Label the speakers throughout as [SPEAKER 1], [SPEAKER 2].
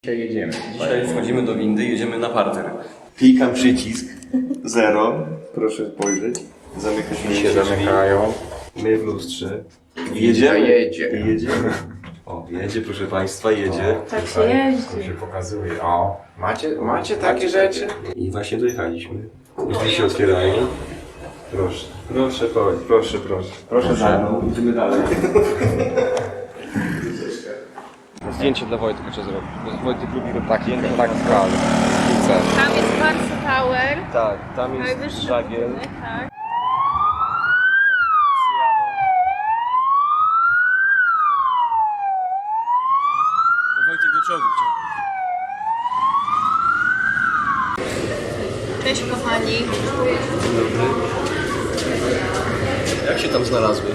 [SPEAKER 1] Dzisiaj jedziemy.
[SPEAKER 2] Dzisiaj wchodzimy do windy i jedziemy na parter.
[SPEAKER 3] Klikam przycisk 0. Proszę spojrzeć. Zamyka się
[SPEAKER 1] Zamykają.
[SPEAKER 3] My w lustrze. Jedziemy.
[SPEAKER 1] Jedzie.
[SPEAKER 3] Jedziemy. O, jedzie, proszę Państwa, jedzie.
[SPEAKER 4] Tak się jeździ.
[SPEAKER 1] Tu się pokazuje. O, macie takie rzeczy?
[SPEAKER 3] I właśnie dojechaliśmy. Drzwi się otwierają. Proszę. Proszę, proszę. Proszę za mną. Idziemy dalej.
[SPEAKER 2] Zdjęcie dla Wojtka trzeba zrobić. Wojtek lubi
[SPEAKER 1] Tak skal.
[SPEAKER 4] Tam jest Barca Tower.
[SPEAKER 3] Tak, tam jest
[SPEAKER 4] Najwyższy
[SPEAKER 3] żagiel.
[SPEAKER 4] budynek, tak.
[SPEAKER 2] Wojtek do czołgu chciał.
[SPEAKER 4] Cześć kochani.
[SPEAKER 2] Jak się tam znalazłeś?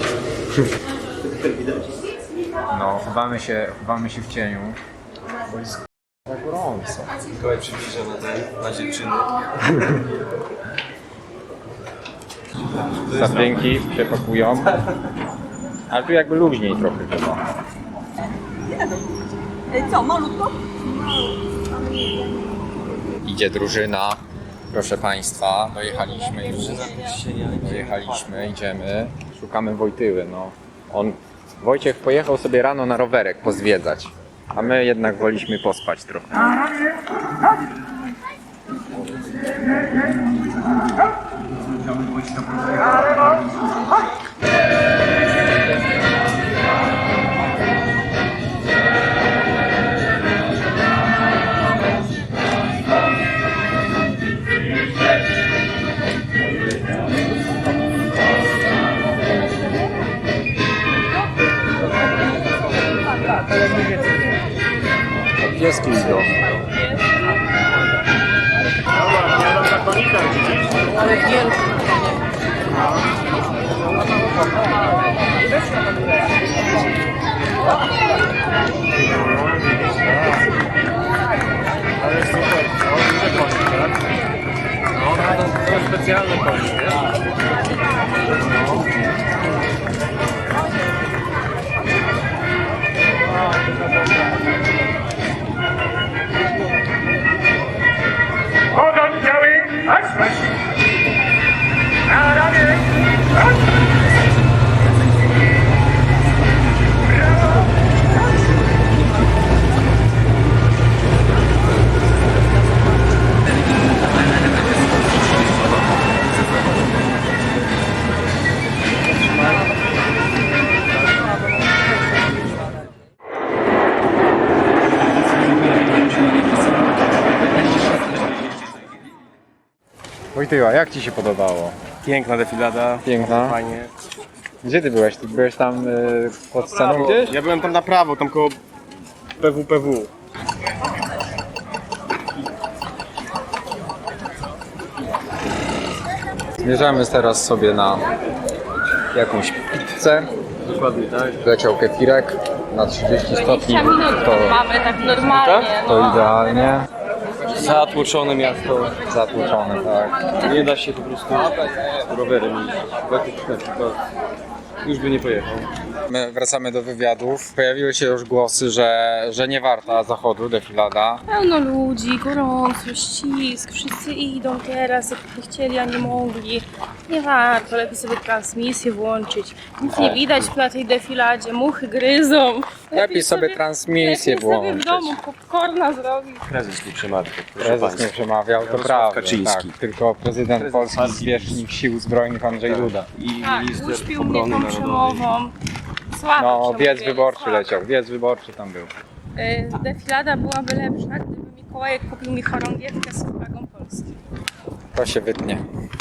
[SPEAKER 1] No, chowamy się w cieniu. Bo jest tak gorąco.
[SPEAKER 2] Mikołaj przybliża na dziewczyny.
[SPEAKER 1] Sapienki się pakują. Ale tu jakby luźniej trochę chyba.
[SPEAKER 5] Co, malutko?
[SPEAKER 1] Idzie drużyna. Proszę Państwa, dojechaliśmy już. Idziemy. Szukamy Wojtyły, no. Wojciech pojechał sobie rano na rowerek pozwiedzać. A my jednak woliśmy pospać trochę. Pieski idą.
[SPEAKER 4] Ale wielki.
[SPEAKER 2] Ale super, duże konie, tak? No, to specjalne konie, wiesz?
[SPEAKER 6] Hold on, Joey. That's right. Now, down here.
[SPEAKER 1] Wojtyła, jak Ci się podobało?
[SPEAKER 2] Piękna defilada.
[SPEAKER 1] Piękna.
[SPEAKER 2] Fajnie.
[SPEAKER 1] Gdzie Ty byłeś? Ty byłeś tam pod sceną gdzieś?
[SPEAKER 2] Ja byłem tam na prawo, tam koło PWPW.
[SPEAKER 1] Zmierzamy teraz sobie na jakąś pizzę.
[SPEAKER 2] Dokładnie, tak.
[SPEAKER 1] Leciał kefirek na 30 stopni.
[SPEAKER 4] 20 minut mamy tak normalnie.
[SPEAKER 1] To
[SPEAKER 4] No.
[SPEAKER 1] idealnie.
[SPEAKER 2] Zatłoczone miasto.
[SPEAKER 1] Zatłuczone, tak.
[SPEAKER 2] Nie da się po prostu rowerem iść. Wojtek na przykład już by nie pojechał.
[SPEAKER 1] My wracamy do wywiadów. Pojawiły się już głosy, że nie warta zachodu defilada.
[SPEAKER 4] Pełno ludzi, gorąco, ścisk, wszyscy idą teraz, jakby chcieli, a nie mogli. Nie warto, lepiej sobie transmisję włączyć. Nic nie widać na tej defiladzie, muchy gryzą.
[SPEAKER 1] Lepiej sobie transmisję
[SPEAKER 4] lepiej sobie w
[SPEAKER 1] włączyć.
[SPEAKER 4] domu popcorna zrobić.
[SPEAKER 2] Prezes nie przemawiał.
[SPEAKER 1] Prezes nie przemawiał, to
[SPEAKER 2] Jarosław
[SPEAKER 1] prawda.
[SPEAKER 2] Kaczyński.
[SPEAKER 1] Tak, tylko prezydent Polski zwierzchnik Sił Zbrojnych Andrzej Duda.
[SPEAKER 2] I
[SPEAKER 4] Tak,
[SPEAKER 2] minister
[SPEAKER 4] uśpił mnie
[SPEAKER 2] obrony
[SPEAKER 4] tą
[SPEAKER 2] narodowej.
[SPEAKER 4] przemową. Słabo
[SPEAKER 1] No,
[SPEAKER 4] przemówienie,
[SPEAKER 1] wiec wyborczy
[SPEAKER 4] słabo.
[SPEAKER 1] leciał, wiec wyborczy tam był.
[SPEAKER 4] Defilada byłaby lepsza, gdyby Mikołajek kupił mi chorągiewkę z flagą Polski.
[SPEAKER 1] To się wytnie.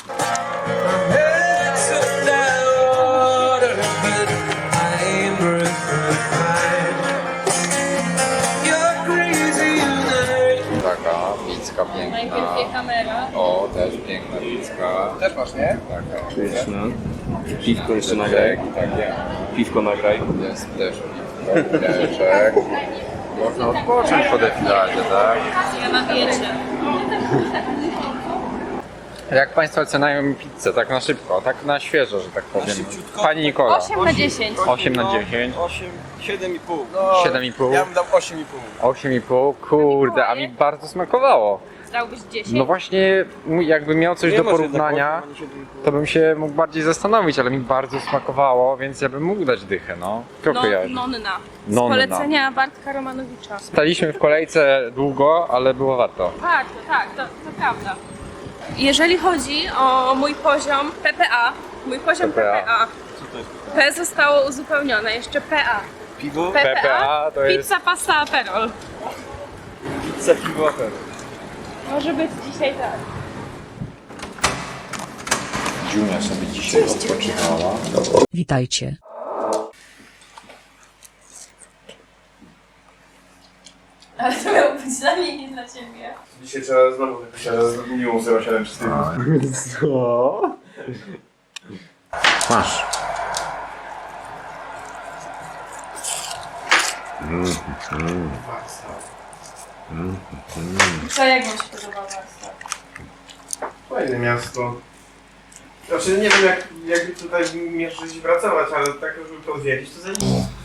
[SPEAKER 1] Taka pizzka piękna.
[SPEAKER 4] Najpierw kamera.
[SPEAKER 1] O, też piękna pizzka. Też masz, nie? Taka.
[SPEAKER 2] Pyszne. Piwko jeszcze nagraj.
[SPEAKER 1] Tak, ja.
[SPEAKER 2] Piwko nagraj.
[SPEAKER 1] Jest też piwko, pieczek. Można odpocząć po defiladzie, tak?
[SPEAKER 4] Ja na wiecie.
[SPEAKER 1] Jak Państwo oceniają pizzę, tak na szybko, tak na świeżo, że tak powiem. Pani Nikola.
[SPEAKER 4] 8 na 10.
[SPEAKER 1] 8 na 10.
[SPEAKER 5] 7,5.
[SPEAKER 1] 7,5.
[SPEAKER 5] Ja bym dał 8,5.
[SPEAKER 1] 8,5. Kurde, a mi bardzo smakowało.
[SPEAKER 4] Dałbyś 10?
[SPEAKER 1] No właśnie, jakbym miał coś do porównania, to bym się mógł bardziej zastanowić, ale mi bardzo smakowało, więc ja bym mógł dać dychę, no. Kto kojarzy?
[SPEAKER 4] Nonna. Z
[SPEAKER 1] Nonna.
[SPEAKER 4] polecenia Bartka Romanowicza.
[SPEAKER 1] Staliśmy w kolejce długo, ale było warto.
[SPEAKER 4] Warto, tak, to prawda. Jeżeli chodzi o mój poziom PPA, PPA. P zostało uzupełnione, jeszcze PA.
[SPEAKER 5] Piwo?
[SPEAKER 1] PPA to jest...
[SPEAKER 4] Pizza, pasta, aperol.
[SPEAKER 5] Pizza, piwo, afery.
[SPEAKER 4] Może być dzisiaj tak.
[SPEAKER 1] Dziunia sobie dzisiaj odpoczywała.
[SPEAKER 7] Witajcie.
[SPEAKER 4] Ale to miało być dla mnie, nie dla ciebie.
[SPEAKER 3] Dzisiaj trzeba znowu wypisać z minimum 0,7 czy
[SPEAKER 1] Co? Masz.
[SPEAKER 4] Co, jak wam się podoba warsztat?
[SPEAKER 3] Fajne miasto. Znaczy nie wiem jak tutaj mierzyć i pracować, ale tak żeby to odwiedzić to zajebiście.